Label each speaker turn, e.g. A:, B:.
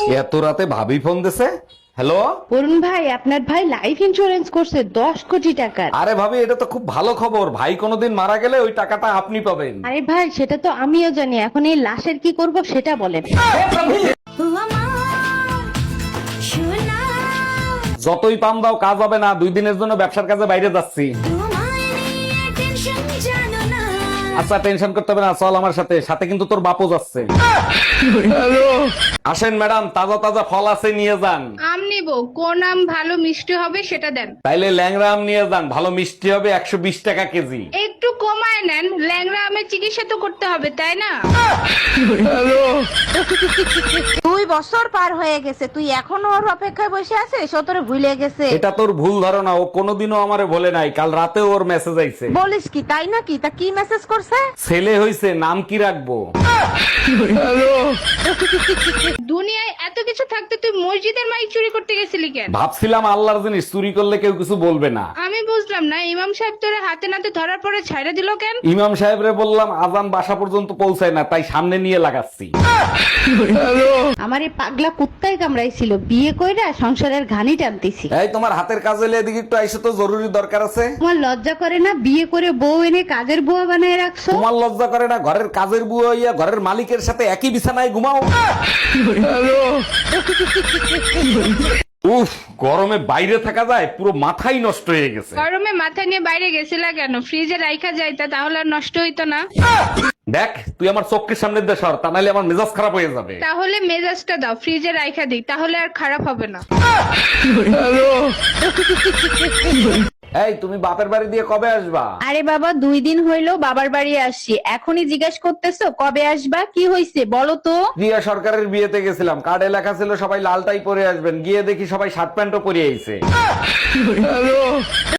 A: এত রাতে ভাবি ফোন দিছে। হ্যালো।
B: অরুণ ভাই, আপনার ভাই লাইফ ইন্সুরেন্স করছে 10 কোটি টাকার।
A: আরে ভাবি, এটা তো খুব ভালো খবর। ভাই কোনোদিন মারা গেলে ওই টাকাটা আপনি পাবেন।
B: আরে ভাই, সেটা তো আমিও জানি, এখন এই লাশের কি করব সেটা বলেন।
A: যতই পাম দাও কাজ হবে না, 2 দিনের জন্য ব্যবসার কাজে বাইরে যাচ্ছি। আচ্ছা, টেনশন করতে হবে না, চল আমার সাথে। সাথে কিন্তু তোর বাপও যাচ্ছে। আসেন ম্যাডাম, তাজা তাজা ফল আছে, নিয়ে যান।
C: আম নিব, কোন আম ভালো মিষ্টি হবে সেটা দেন।
A: তাইলে ল্যাংড়া আম নিয়ে যান, ভালো মিষ্টি হবে, 120 টাকা কেজি।
C: একটু কমায় নেন, ল্যাংড়া আমের চিকিৎসা তো করতে হবে তাই না?
D: 2 বছর পার হয়ে গেছে, তুই এখনো ওর অপেক্ষায় বসে আছিস? ও তোরে ভুলে গেছে?
A: এটা তোর ভুল ধারণা, ও কোনোদিনও আমারে বলে নাই। কাল রাতে ওর মেসেজ আইছে।
D: বলিস কি, তাই নাকি? তা কি মেসেজ করছে?
A: ছেলে হইছে, নাম কি রাখবো?
C: দুনিয়ায় এত কিছু থাকতে তুই মসজিদের মাইক চুরি করতে গেছিলি কেন?
A: ভাবছিলাম আল্লাহর জিনিস চুরি করলে কেউ কিছু বলবে না।
C: আমি বুঝলাম না, ইমাম সাহেব তোরে হাতে নাতে ধরার পরে ছাইড়া দিল কেন?
A: ইমাম সাহেবরে বললাম আজান বাসা পর্যন্ত পৌঁছায় না, তাই সামনে নিয়ে লাগাচ্ছি।
B: আমার এই পাগলা কুত্তাই কামড়াইছিল, বিয়ে কইরা সংসারের ঘানি টানতেছি।
A: এই তোমার হাতের কাজ হলে এদিকে একটু আইসো তো, জরুরি দরকার আছে।
B: তোমার লজ্জা করে না? বিয়ে করে বউ এনে কাজের বুয়া বানায় রাখছো।
A: তোমার লজ্জা করে না? ঘরের কাজের বুয়া হইয়া ঘরের মালিকের সাথে একই বিছানায় ঘুমাও। উফ, গরমে বাইরে থাকা যায়, পুরো মাথাই নষ্ট হয়ে গেছে।
C: গরমে মাথা নিয়ে বাইরে গেছিলা কেন? ফ্রিজে রাইখা যাইতা, তাহলে আর নষ্ট হইতো না।
A: দেখ, তুই আমার চোখের সামনে দিয়ে সর, তা নাহলে আমার মেজাজ খারাপ হয়ে যাবে।
C: তাহলে মেজাজটা দাও, ফ্রিজে রাইখা দিই, তাহলে আর খারাপ হবে না।
A: এই, তুমি বাপের বাড়ি দিয়ে কবে আসবা?
B: আরে বাবা, 2 দিন হইলো বাবার বাড়ি আসছি, এখনই জিজ্ঞেস করতেছো কবে আসবা? কি হইছে বলো তো?
A: প্রিয়া সরকারের বিয়েতে গেছিলাম, কার্ডে লেখা ছিল সবাই লালটাই পরে আসবেন, গিয়ে দেখি সবাই শার্ট প্যান্টও পরে আইছে।